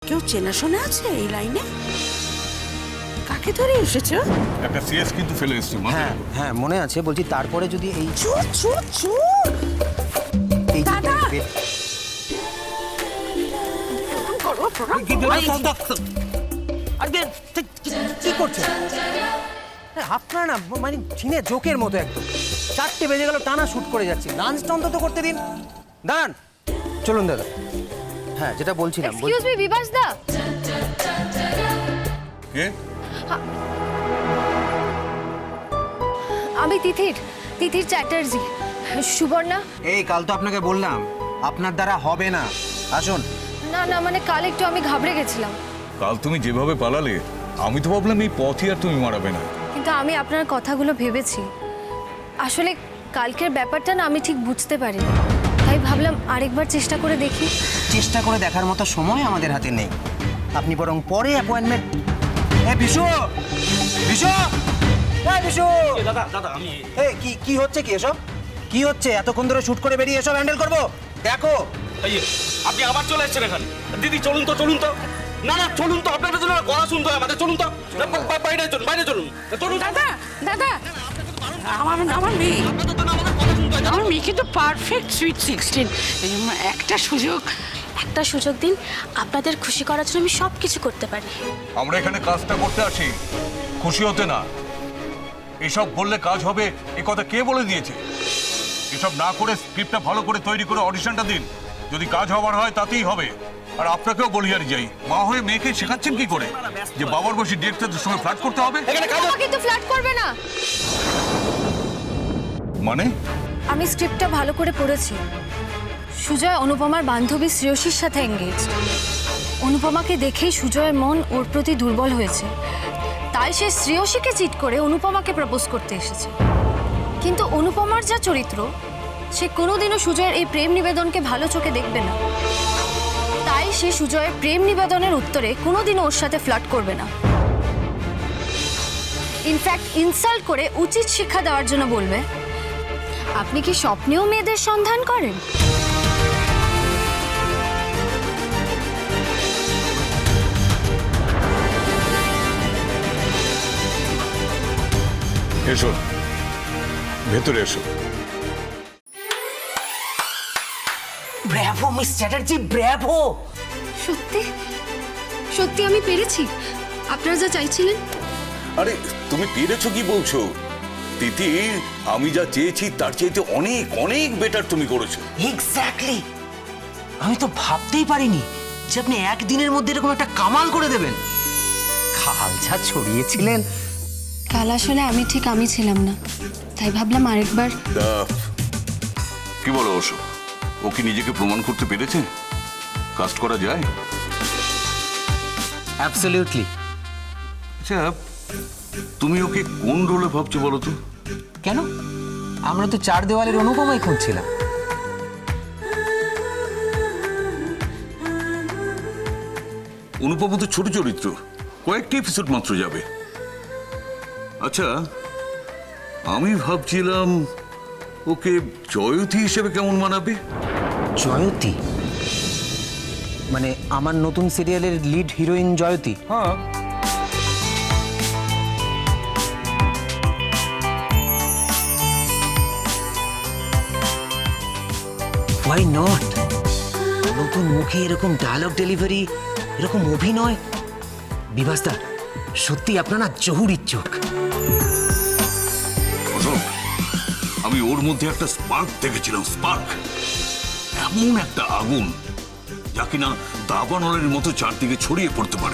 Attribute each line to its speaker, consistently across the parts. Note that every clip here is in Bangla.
Speaker 1: কেউ চেনাশোনা আছে এই লাইনে? কাকে ধরে এসেছো?
Speaker 2: একটা সিএস কিন্তু ফেলে এসেছি।
Speaker 3: হ্যাঁ হ্যাঁ মনে আছে, বলছি তারপরে যদি এই
Speaker 1: চুপ চুপ চুপ।
Speaker 3: এই
Speaker 1: দাদা!
Speaker 3: কি করছেন আপনারা? না মানে ছিনে জোকের মতো একদম। 4টে বেজে গেল, টানা শুট করে যাচ্ছি, লাঞ্চটা অন্তত করতে দিন। দাঁড়ান, চলুন দাদা। হ্যাঁ যেটা বলছিলাম।
Speaker 4: এক্সকিউজ মি বিভাস দা,
Speaker 2: কে?
Speaker 4: আমি তিথির চ্যাটার্জি। সুবর্ণা?
Speaker 3: এই কাল তো আপনাকে বললাম আপনার দ্বারা হবে না, আসুন।
Speaker 4: না না, মানে কাল একটু আমি ঘাবড়ে গেছিলাম।
Speaker 2: কাল তুমি যেভাবে পালালে আমি তো ভাবলাম এই পথই আর তুমি মারাবে না।
Speaker 4: কিন্তু আমি আপনার কথাগুলো ভেবেছি। আসলে কালকের ব্যাপারটা না আমি ঠিক বুঝতে পারিনি, তাই ভাবলাম আরেকবার চেষ্টা করে দেখি।
Speaker 3: চেষ্টা করে দেখার মতো সময় আমাদের হাতে নেই, আপনি বরং পরে অ্যাপয়েন্টমেন্ট। বিশু বিশু বিশু
Speaker 5: দাদা দাদা আমি
Speaker 3: এই কি হচ্ছে, কি এসব কি হচ্ছে? এতক্ষণ ধরে শুট করে বেরিয়ে এসব হ্যান্ডেল করবো? দেখো
Speaker 5: এই যে, আপনি আবার চলে এসেছেন এখানে। দিদি চলুন তো চলুন তো। না না চলুন তো, আপনাদের জন্য গলা শুনতে হয় আমাদের। চলুন তো বাইরে চলুন, বাইরে চলুন চলুন।
Speaker 1: দাদা দাদা, আমার মেয়ে,
Speaker 5: আপনাদের জন্য আমাদের কথা শুনতে হয়।
Speaker 1: আমার মেয়ে কিন্তু পারফেক্ট সুইট 16। একটা সুযোগ
Speaker 6: দিন, আপনাদের খুশি করার জন্য আমি সব কিছু করতে পারি।
Speaker 2: আমরা এখানে কাজটা করতে আসি, খুশি হতে না। এসব বললে কাজ হবে এ কথা কে বলে দিয়েছে? এসব না করে স্ক্রিপ্টটা ভালো করে তৈরি করে অডিশনটা দিন, যদি কাজ হবার হয় তাতেই হবে। আর আপনাকেও বলি আর যাই, মা হয়ে মেয়েকে শেখাচ্ছেন কি করে যে বাবার বসে ডিরেক্টরদের সঙ্গে ফ্ল্যাট করতে হবে?
Speaker 4: আমাকে তো ফ্ল্যাট করবে না।
Speaker 2: মানে?
Speaker 4: আমি স্ক্রিপ্টটা ভালো করে পড়েছি। সুজয় অনুপমার বান্ধবী শ্রেয়সীর সাথে এঙ্গেজ। অনুপমাকে দেখেই সুজয়ের মন ওর প্রতি দুর্বল হয়েছে, তাই সে শ্রেয়সীকে চিট করে অনুপমাকে প্রপোজ করতে এসেছে। কিন্তু অনুপমার যা চরিত্র, সে কোনোদিনও সুজয়ের এই প্রেম নিবেদনকে ভালো চোখে দেখবে না। তাই সে সুজয়ের প্রেম নিবেদনের উত্তরে কোনোদিনও ওর সাথে ফ্লার্ট করবে না। ইনফ্যাক্ট ইনসাল্ট করে উচিত শিক্ষা দেওয়ার জন্য বলবে, আপনি কি স্বপ্নেও মেয়েদের সন্ধান করেন?
Speaker 2: এসো ভেতরে এসো।
Speaker 3: Bravo Miss Chatterjee, bravo.
Speaker 4: সত্যি সত্যি আমি পেরেছি আপনারা যা চাইছিলেন।
Speaker 7: আরে তুমি পেরেছো কি বলছো তিথি? আমি যা চেয়েছি তার চাইতে অনেক অনেক বেটার তুমি করেছো।
Speaker 3: এক্স্যাক্টলি, আমি তো ভাবতেই পারিনি যে আপনি একদিনের মধ্যে এরকম একটা কামাল করে দেবেন। খাল যা ছড়িয়েছিলেন।
Speaker 4: কাল আসলে আমি ছিলাম না, তাই ভাবলাম আরেকবার।
Speaker 7: কি বলো অশোক, ও কি নিজেকে প্রমাণ করতে পেরেছে? কাস্ট করা যায়?
Speaker 3: অ্যাবসলিউটলি।
Speaker 7: আচ্ছা তুমি ওকে কোন রোলে ভাবছো বলো তো?
Speaker 3: কেন, আমরা তো 4 দেওয়ালের অনুপমাই খুঁজছিলাম।
Speaker 7: অনুপম তো ছোট চরিত্র, কয়েকটি এপিসোড মাত্র যাবে। আচ্ছা আমি ভাবছিলাম ওকে জয়তী হিসেবে কেমন মানাবে?
Speaker 3: জয়তী মানে আমার নতুন সিরিয়ালের লিড হিরোইন জয়তী?
Speaker 2: হ্যাঁ,
Speaker 3: হোয়াই নট? নতুন মুখে এরকম ডায়লগ ডেলিভারি, এরকম অভিনয়। বিভাসদা সত্যি আপনারা জহুরির চোখ।
Speaker 7: অশোক, আমি ওর মধ্যে একটা স্পার্ক দেখেছিলাম, স্পার্ক, এমন একটা আগুন যা কিনা দাবানলের মতো চারদিকে ছড়িয়ে পড়তে পারে।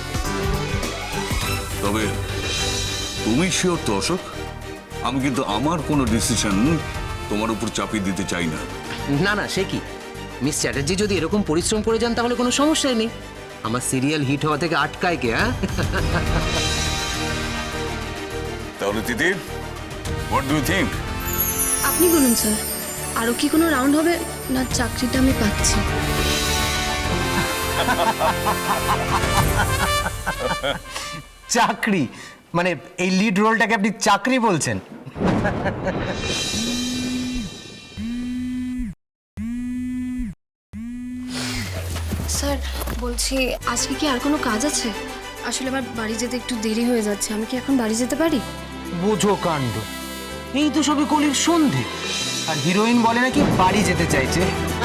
Speaker 7: তবে তুমি শিওর তো অশোক? আমি কিন্তু আমার কোনো ডিসিশন তোমার উপর চাপিয়ে দিতে চাই না।
Speaker 3: না না, সে কি, মিস চ্যাটার্জি যদি এরকম পরিশ্রম করে যান তাহলে কোনো সমস্যাই নেই। আমার সিরিয়াল হিট হওয়া থেকে আটকায় কে? হ্যাঁ
Speaker 7: তাহলে Titir, what do you think?
Speaker 4: আপনি বলুন স্যার, আরও কি কোনো রাউন্ড হবে না চাকরিটা আমি পাচ্ছি?
Speaker 3: চাকরি মানে এই লিড রোলটাকে আপনি চাকরি বলছেন?
Speaker 6: স্যার
Speaker 4: বলছি আজকে কি আর কোনো কাজ আছে? আসলে আমার বাড়ি যেতে একটু দেরি হয়ে যাচ্ছে, আমি কি এখন বাড়ি যেতে পারি?
Speaker 3: বোঝো কাণ্ড, এই তো সবে কলির সন্ধে, আর হিরোইন বলে নাকি বাড়ি যেতে চাইছে।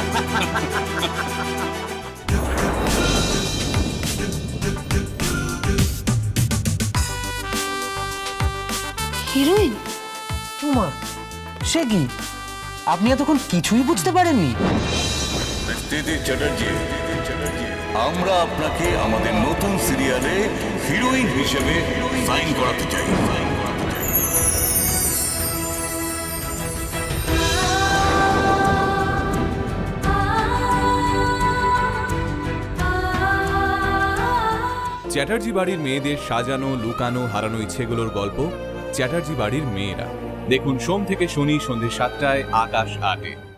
Speaker 4: হিরোইন?
Speaker 3: উমা, সে কি? আপনি এতক্ষণ কিছুই বুঝতে পারেননি?
Speaker 7: দিদি চ্যাটার্জি, আমরা আপনাকে আমাদের নতুন সিরিয়ালে হিরোইন হিসেবে সাইন করাতে চাই।
Speaker 8: চ্যাটার্জি বাড়ির মেয়েদের সাজানো, লুকানো, হারানো ইচ্ছেগুলোর গল্প চ্যাটার্জি বাড়ির মেয়েরা। দেখুন সোম থেকে শনি সন্ধ্যে 7টায়, আকাশ 8-এ।